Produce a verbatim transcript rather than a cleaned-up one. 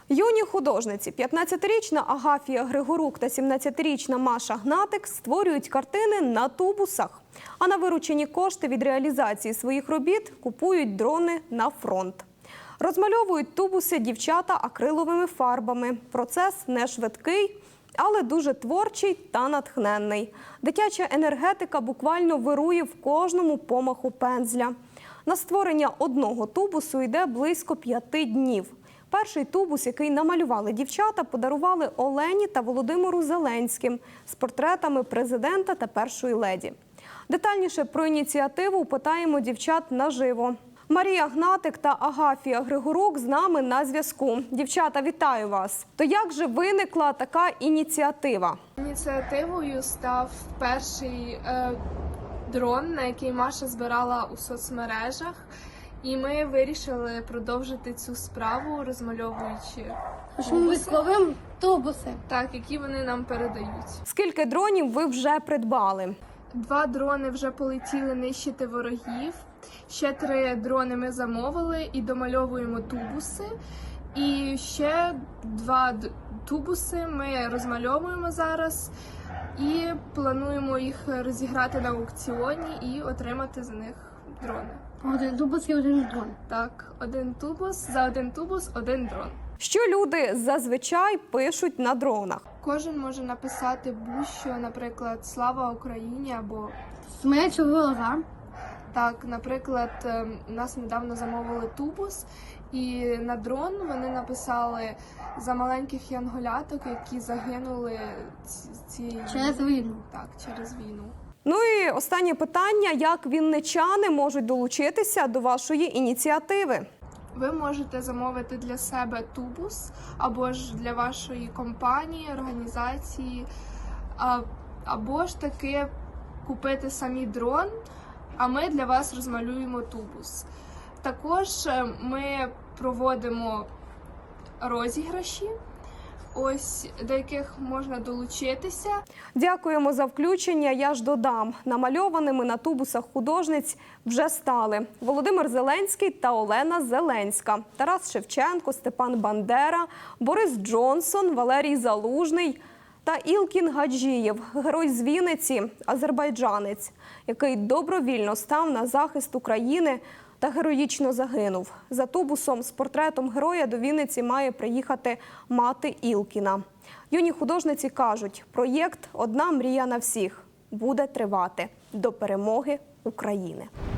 Юні художниці – п'ятнадцятирічна Агафія Григорук та сімнадцятирічна Маша Гнатик створюють картини на тубусах. А на виручені кошти від реалізації своїх робіт купують дрони на фронт. Розмальовують тубуси дівчата акриловими фарбами. Процес не швидкий, але дуже творчий та натхненний. Дитяча енергетика буквально вирує в кожному помаху пензля. На створення одного тубусу йде близько п'яти днів. Перший тубус, який намалювали дівчата, подарували Олені та Володимиру Зеленським з портретами президента та першої леді. Детальніше про ініціативу питаємо дівчат наживо. Марія Гнатик та Агафія Григорук з нами на зв'язку. Дівчата, вітаю вас! То як же виникла така ініціатива? Ініціативою став перший е, дрон, на який Маша збирала у соцмережах. І ми вирішили продовжити цю справу, розмальовуючи військовим тубуси. Так, які вони нам передають. Скільки дронів ви вже придбали? Два дрони вже полетіли нищити ворогів. Ще три дрони ми замовили і домальовуємо тубуси. І ще два тубуси ми розмальовуємо зараз і плануємо їх розіграти на аукціоні і отримати за них дрони. Один тубус і один дрон. Так, один тубус, за один тубус один дрон. Що люди зазвичай пишуть на дронах? Кожен може написати будь-що, наприклад, «Слава Україні» або Смерть ворога. так, наприклад, у нас недавно замовили тубус, і на дрон вони написали за маленьких янголяток, які загинули цієї Через війну. Так, через війну. Ну і останнє питання. Як вінничани можуть долучитися до вашої ініціативи? Ви можете замовити для себе тубус або ж для вашої компанії, організації, або ж таки купити самі дрон, а ми для вас розмалюємо тубус. Також ми проводимо розіграші, ось до яких можна долучитися. Дякуємо за включення. Я ж додам, намальованими на тубусах художниць вже стали Володимир Зеленський та Олена Зеленська, Тарас Шевченко, Степан Бандера, Борис Джонсон, Валерій Залужний та Ілкін Гаджієв, герой з Вінниці, азербайджанець, який добровільно став на захист України та героїчно загинув. За тубусом з портретом героя до Вінниці має приїхати мати Ілкіна. Юні художниці кажуть, проєкт «Одна мрія на всіх» буде тривати до перемоги України.